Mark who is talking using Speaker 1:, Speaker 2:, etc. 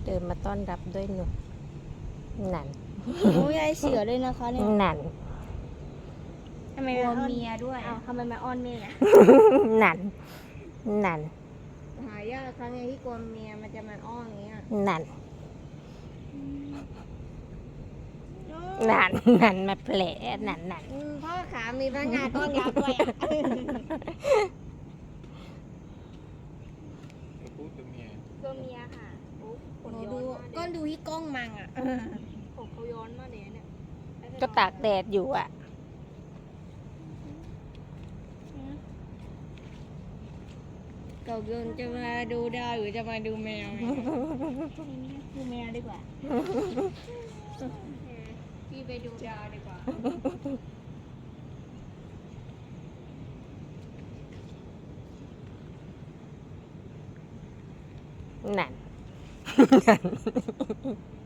Speaker 1: เดินมาต้อนรับด้วยหนุ่มหนัน
Speaker 2: โอ้ยยายเสือเลยนะคะเนี่ย
Speaker 1: หนัน
Speaker 2: ทำไม
Speaker 3: กลั
Speaker 2: มาว อ้อน
Speaker 3: เมียด้วย
Speaker 2: อ้าวทำไมมาอ้อนเมียอะ
Speaker 1: หนันหนัน
Speaker 2: หายากครั้งไงที่กลัวเมียมันจะมาอ้อนอย่างเงี้ย
Speaker 1: หนันหนันหนันมาแผลหนันหนัน
Speaker 2: พ่อขามีพนักงานต้อนรับด้วยอะ
Speaker 4: พูดตัวเมีย
Speaker 3: ตัวเมียค่ะปุ๊บขน
Speaker 2: หนู
Speaker 3: ย้อ
Speaker 2: ดู
Speaker 3: นมาก
Speaker 2: ก็ดูที่กล้องมังอ่ะ
Speaker 3: ผมเขาย้อนมากเลยเนี่ย
Speaker 1: ก็ตากแดดอยู่อ่ะ
Speaker 2: เก่าเกินจะมาดูดาวหรือจะมาดูแมวเนี่ยดูแมวดีกว่า
Speaker 3: พี่ไปดูดาวดีกว่า
Speaker 1: หนัน